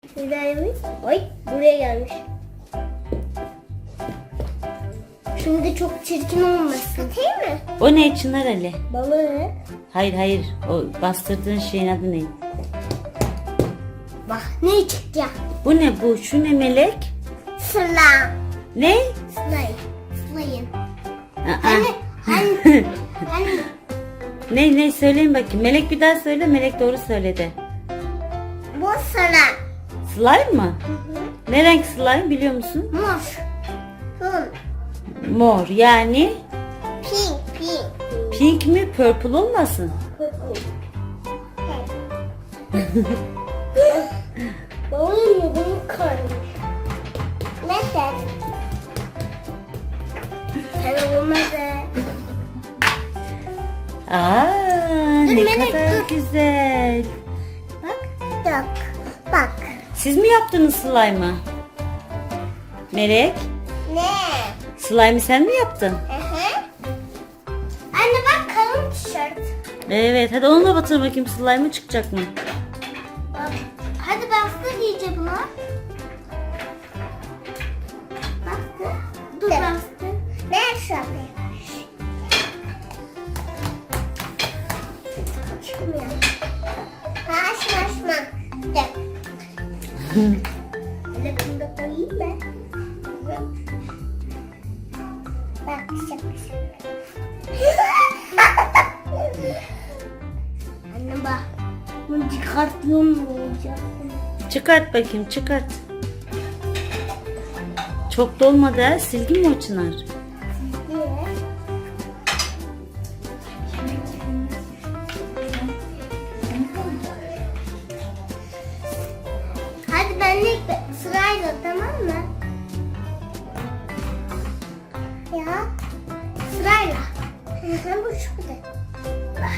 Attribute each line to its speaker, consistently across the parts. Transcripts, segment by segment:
Speaker 1: Ay buraya gelmiş. Şimdi çok çirkin olmasın. Değil mi?
Speaker 2: O ne Çınar Ali?
Speaker 1: Balık.
Speaker 2: Hayır hayır. O bastırdığın şeyin adı ne?
Speaker 1: Bak ne çıkacak?
Speaker 2: Bu ne bu? Şu ne Melek?
Speaker 1: Sıla.
Speaker 2: Ne?
Speaker 1: Slayın.
Speaker 2: Aa.
Speaker 1: Hani
Speaker 2: Ne söyleyin bakayım. Melek bir daha söyle. Melek doğru söyledi.
Speaker 1: bu sıla.
Speaker 2: Slime mı? Ne renk slime biliyor musun?
Speaker 1: Mor.
Speaker 2: Mor yani
Speaker 1: Pink.
Speaker 2: pink mi purple olmasın?
Speaker 1: Balığın yudum karmış. Neden? Sen olmadı.
Speaker 2: Aa,
Speaker 1: Dur,
Speaker 2: ne
Speaker 1: Melek,
Speaker 2: kadar
Speaker 1: dur.
Speaker 2: güzel.
Speaker 1: Bak. Bak.
Speaker 2: Siz mi yaptınız slime'ı? Melek,
Speaker 1: Ne?
Speaker 2: slime'ı sen mi yaptın?
Speaker 1: Anne bak kalın tişört.
Speaker 2: Evet, hadi onunla batır bakayım slime'ı çıkacak mı?
Speaker 1: Bak. Hadi bastır iyice buna. Bastır. Dur bastır. Ben şu yapayım. Çıkmıyor. Açma. Öyle kında koyayım mı? Bak Anne bak. Bunu çıkartıyor mu olacak?
Speaker 2: Çıkart bakayım, çıkart. Çok dolmadı ha, silgi mi o Çınar?
Speaker 1: Niye? Hadi benle sırayla tamam mı? Ya sırayla. Bu şu kadar.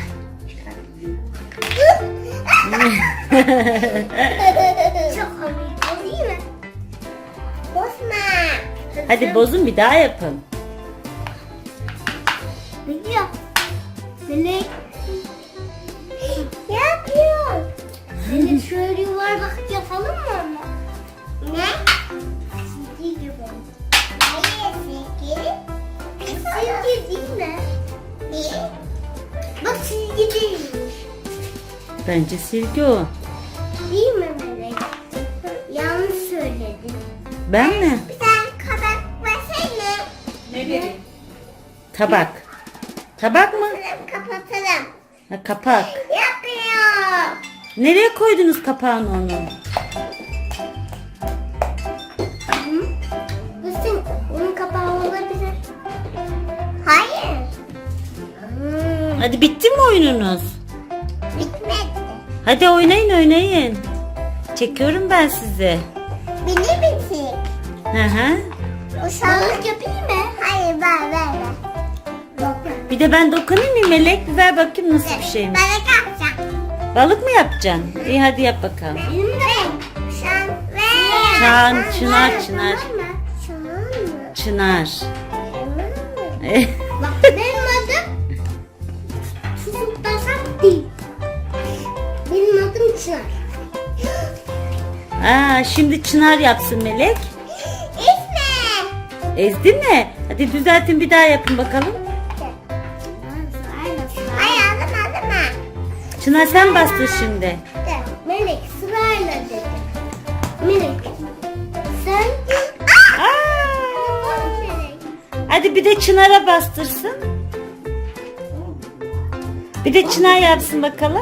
Speaker 1: Çok komik değil mi? Bozma.
Speaker 2: Hadi bozun bir daha yapın.
Speaker 1: Biliyor. Melek. Ne yapıyor? Melek şöyle yuvarlak yapalım mı ama? Ne? Silgi gibi. Hayır silgi. Silgi değil mi? Değil. Bak silgi değilmiş.
Speaker 2: Bence silgi o.
Speaker 1: Değil mi Melek? Yanlış söyledin.
Speaker 2: Ben mi?
Speaker 1: Bir tane kabak versene.
Speaker 3: Ne?
Speaker 2: Tabak. Tabak mı?
Speaker 1: Kapatalım.
Speaker 2: Ha, kapak.
Speaker 1: Yapıyor.
Speaker 2: Nereye koydunuz kapağını onu?
Speaker 1: Bütün onun kapağı olabilir. Hayır.
Speaker 2: Hadi bitti mi oyununuz?
Speaker 1: Bitmedi.
Speaker 2: Hadi oynayın. Çekiyorum ben sizi.
Speaker 1: Beni bitir.
Speaker 2: Hı hı.
Speaker 1: Balık yapayım mı? Hayır ver.
Speaker 2: Bir de ben dokunayım mı Melek? Bir ver bakayım nasıl bir şeymiş.
Speaker 1: Balık yapacağım.
Speaker 2: Balık mı yapacaksın? İyi hadi yap bakalım.
Speaker 1: Benim de. Şan ve.
Speaker 2: Çınar.
Speaker 1: Şan mı?
Speaker 2: Çınar.
Speaker 1: Bak benim adım Tutup Basak değil. Benim adım Çınar.
Speaker 2: Aa, şimdi Çınar yapsın Melek.
Speaker 1: İsmi.
Speaker 2: Ezdi mi? Hadi düzeltin bir daha yapın bakalım.
Speaker 1: Hayır alma.
Speaker 2: Çınar sen bastır şimdi.
Speaker 1: Melek sırayla dedi. Melek sen.
Speaker 2: Aa!
Speaker 1: Melek.
Speaker 2: Hadi bir de Çınar'a bastırsın. Bir de Çınar yapsın bakalım.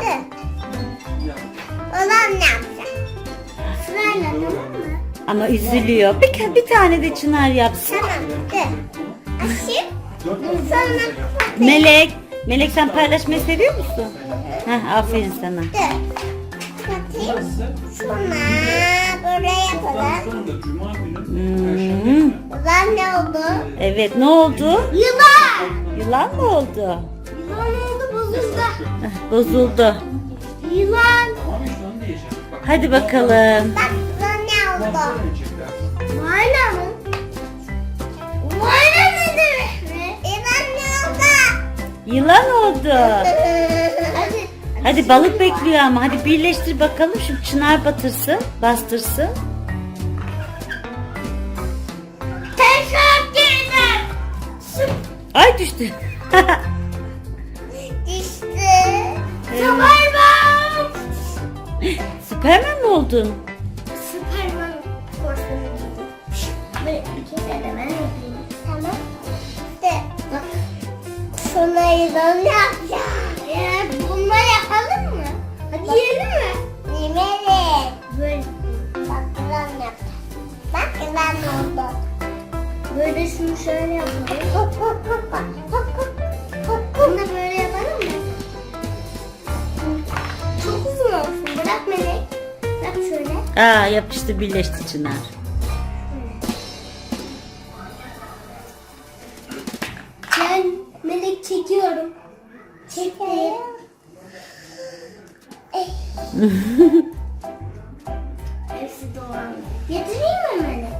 Speaker 1: Olan ne yapacak? Sırayla tamam mı?
Speaker 2: Ama üzülüyor. Bir tane de Çınar yapsın.
Speaker 1: Tamam. Açayım. Sonra kapatayım.
Speaker 2: Melek sen paylaşmayı seviyor musun? Heh, aferin sana.
Speaker 1: Kapatayım. Sonra böyle yapalım.
Speaker 3: Sonunda Cuma günü
Speaker 2: Hmm.
Speaker 1: Ulan ne oldu?
Speaker 2: Evet ne oldu?
Speaker 1: Yılan.
Speaker 2: Yılan mı oldu?
Speaker 1: Yılan oldu bozuldu.
Speaker 2: Heh, bozuldu.
Speaker 1: Yılan.
Speaker 3: Tamam işte onu diyeceğim. Bak,
Speaker 2: Hadi bakalım.
Speaker 1: Bak ulan ne oldu?
Speaker 3: kontrol edecekler.
Speaker 1: Mayna mı? Mayna ne demek mi? Yılan ne oldu?
Speaker 2: Yılan oldu.
Speaker 1: Hadi
Speaker 2: Hadi balık bekliyor ama. Hadi birleştir bakalım. Şu Çınar batırsın. Bastırsın.
Speaker 1: Teşekkürler.
Speaker 2: Ay düştü.
Speaker 1: İşte. Superman.
Speaker 2: Süpermen mi oldun?
Speaker 1: Superman kostümü giydim. Böyle bir kere de ben yapayım. Tamam. İşte bak. Şunları da yapacağım. Bunları yapalım mı? Hadi yiyelim mi? Yemeyelim. Böyle. Bak yılan yapacağım. Bak yılan oldu. Böyle şunu şöyle yapalım. Bunu da böyle yapalım mı? Çok uzun olsun. Bırak Melek. Bırak şöyle.
Speaker 2: Aa yapıştı birleşti Çınar.
Speaker 1: Ben Melek çekiyorum. Çekeyim. Hepsi doğan. Getireyim mi Melek?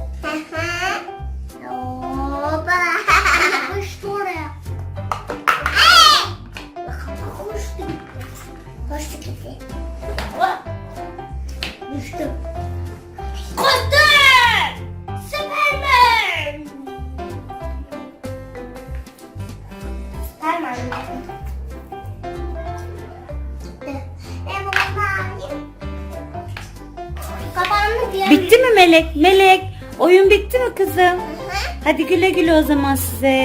Speaker 1: Hoppa. Koştu oraya. Koştu gitti. Koştu gitti. Düştüm. Koştu! Süpermen! Süpermen. Kapandı diye.
Speaker 2: Bitti mi Melek? Melek oyun bitti mi kızım? Hadi güle güle o zaman size.